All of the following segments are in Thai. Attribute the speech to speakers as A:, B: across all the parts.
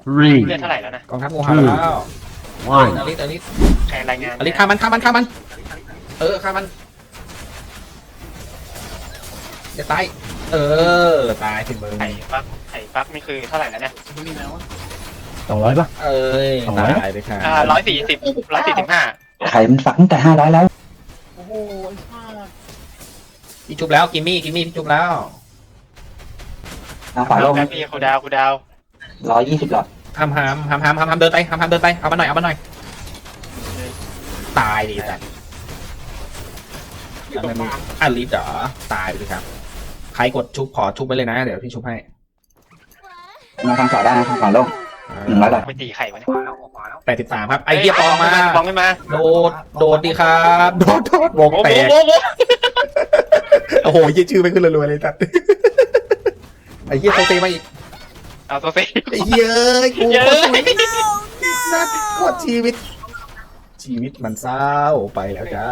A: three,
B: เลือดเท่าไหร่แล้วนะ
C: กองทัพงูเห่าแล้ว
A: one.
C: อลิสอลิส
B: ใครรายงาน
C: อลิสฆ่ามันฆ่ามันฆ่ามันฆ่ามันจะตายตายถึงมือ
B: ไข่ฟักนี่คือเท่าไหร่แล้วเนี่ย
A: 200ป่ะ
C: ตายเลยค่ะ
B: 140
D: ไข่มันฝังแต่500แล้ว
C: พี่จุบแล้วกิมมี่พี่จุบแล้ว
D: ขวาลง
B: แป๊บพี่คูดาว
D: 120หลอด
C: ห้ามเดินไปเอามาหน่อยตายดิจ้ะอลิสเหรอตายไปเลยครับใครกดชุบขอชุบไปเลยนะเดี๋ยวพี่ชุบให้
D: มาทางขวาได้นะทางขวาลง100หลอด
B: ไปตีไข่วะเนี่ย
C: 83ครับไอเหี้ยปองมา
B: ปองไม่มา
C: โดดดีครับโดดวงแตกโอ้โหยี่ชื่อไม่ขึ้นรัวๆเลยจัดไอ้เหี้ยโซเซมาอีก
B: เอาตัวเซ่
C: ไอ้เหี้ยกูโคตรชีวิตโคตรชีวิตมันเศร้าไปแล้วจ้า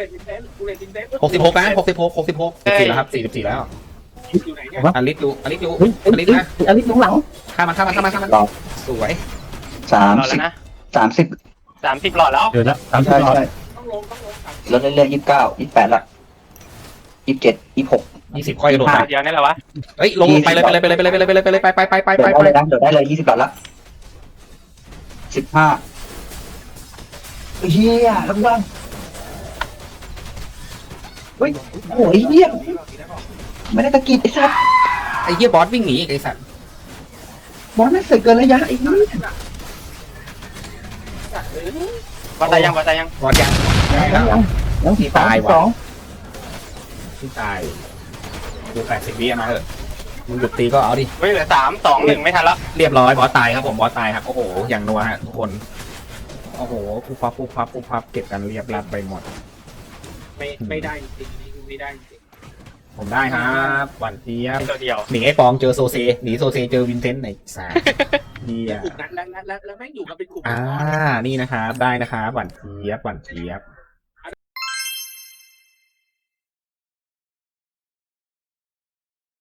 C: 66นะ44แล้วครับ44แล้วอลิสดูอลิสนะ
D: อลิสลงหลัง
C: ฆ่ามันสวย
B: รอแล้วนะ
D: 30
B: 30หลอดแล้ว
A: เดี๋ยวนะ
D: ใช่
A: 30
D: ใช่ลดเรื่อยๆ29 28ละ27 26
C: 20ค่อยโดดไป
B: เดี๋ยวนี่แหละวะ
C: เฮ้ยลงไปเลยไป
D: โดดได้เลยนะโดดได้เลย20หลอดละ15เฮียลงล่างเฮ้ยโอ้ยเฮียไม่ได้ตะกิดไอ้สัตว์
C: ไอ้เหี้ยบอสวิ่งหนีไอ้สัตว์
D: บอลไม่เสร็จเกินระยะไอ้นี่
B: วัดตายยัง
C: บอสยัง
D: ยังสีฟ้า2
C: ที่ตายดู80วิมาเถอะมึงหยุดตีก็เอาดิ
B: เฮ้ยเหลือ3 2 1ไม่ทันแล้ว
C: เรียบร้อยบอสตายครับผมบอสตายครับโอ้โหอย่างนัวฮะทุกคนโอ้โหปุ๊บปั๊บเก็บกันเรียบรัดไปหมด
E: ไม่ได้จริงไม่ได้จริง
C: ผมได้ครับหวานเจี๊ยบ
B: ตัวเดียว
C: หนีไอ้ปองเจอโซเซหนีโซเซเจอวินเทนต์ไหนสาเดีย
E: กลุ่มนั้นแล้วแม่งอยู่กันเป็นกลุ่ม
C: นี่นะครับได้นะครับหวานเจี๊ยบ